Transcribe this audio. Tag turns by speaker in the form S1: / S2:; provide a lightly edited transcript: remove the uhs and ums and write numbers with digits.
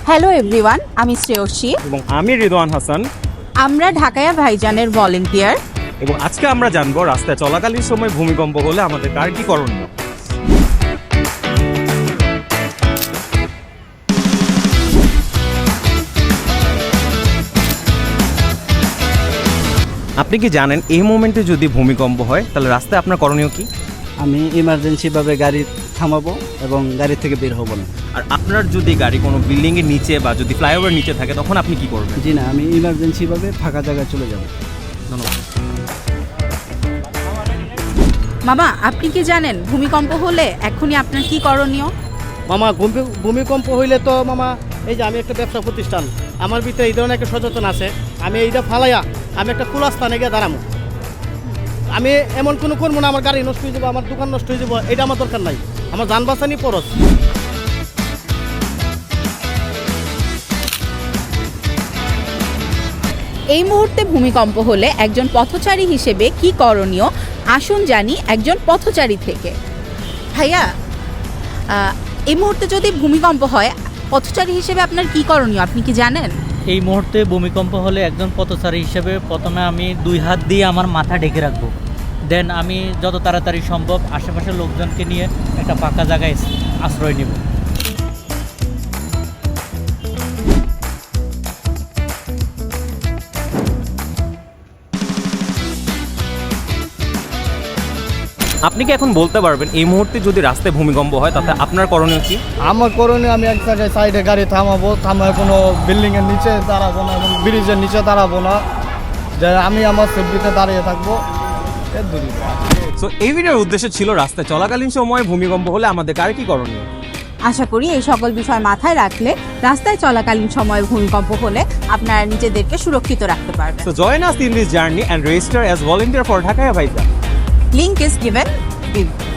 S1: Hello everyone, আমি শ্রেয়সী
S2: এবং আমি রিদওয়ান হাসান।
S1: আমরা ঢাকায়া ভাইজানের ভলেন্টিয়ার
S2: এবং আজকে আমরা জানবো রাস্তায় চলাকালীন সময় ভূমিকম্প হলে আমাদের কার কি করণীয়। আপনি কি জানেন এই মোমেন্টে যদি ভূমিকম্প হয় তাহলে রাস্তায় আপনার করণীয় কি?
S3: আমি ইমার্জেন্সিভাবে গাড়ি থামাবো এবং গাড়ি থেকে বের হব না।
S2: আর আপনার যদি গাড়ি কোনো বিল্ডিংয়ের নিচে বা যদি ফ্লাইওভার নিচে থাকে তখন আপনি কি করবেন?
S3: জি না, আমি ইমার্জেন্সিভাবে ফাঁকা জায়গায় চলে যাব।
S2: ধন্যবাদ।
S1: মামা, আপনি কি জানেন ভূমিকম্প হলে এখনই আপনার কি করণীয়?
S4: মামা ভূমিকম্প হইলে তো মামা এই যে আমি একটা ব্যবসা প্রতিষ্ঠান, আমার ভিতরে এই ধরনের একটা সচেতন আছে। আমি এইটা ফালাইয়া আমি একটা খোলা স্থানে গিয়ে দাঁড়াবো। আমি এমন কোনো করবো না আমার গাড়ি নষ্ট হয়ে যাবো, আমার দোকান নষ্ট হয়ে যাবো, এটা আমার দরকার নাই। আমার যান বাঁচানি পরশ।
S1: এই মুহূর্তে ভূমিকম্প হলে একজন পথচারী হিসেবে কি করণীয় আসুন জানি একজন পথচারী থেকে। ভাইয়া, এই মুহূর্তে যদি ভূমিকম্প হয় পথচারী হিসেবে আপনার কি করণীয় আপনি কি জানেন?
S5: এই মুহূর্তে ভূমিকম্প হলে একজন পথচারী হিসেবে প্রথমে আমি 2 হাত দিয়ে আমার মাথা ঢেকে রাখবো। দেন আমি যত তাড়াতাড়ি সম্ভব আশেপাশের লোকজনকে নিয়ে একটা ফাঁকা জায়গায় আশ্রয় নেব।
S2: আপনি কি এখন বলতে পারবেন এই মুহূর্তে যদি রাস্তায় ভূমিকম্প হয় তাতে আপনার করণীয় কি?
S4: আমার করণীয় আমি এক জায়গায় সাইডে গাড়ি থামায় কোনো বিল্ডিংয়ের নিচে দাঁড়াবো না এবং ব্রিজের নিচে দাঁড়াবো না, যে আমি আমার সেফটিতে দাঁড়িয়ে থাকবো।
S2: সো এই ভিডিওর উদ্দেশ্য ছিল রাস্তায় চলাকালীন সময় ভূমিকম্প হলে আমাদের কার কি করণীয়।
S1: আশা করি এই সকল বিষয় মাথায় রাখলে রাস্তায় চলাকালীন সময়ে ভূমিকম্প হলে আপনারা নিজেদেরকে সুরক্ষিত রাখতে পারবেন।
S2: So join us in this journey and register as volunteer for Dhaka Bhaijaan.
S1: Link is given below.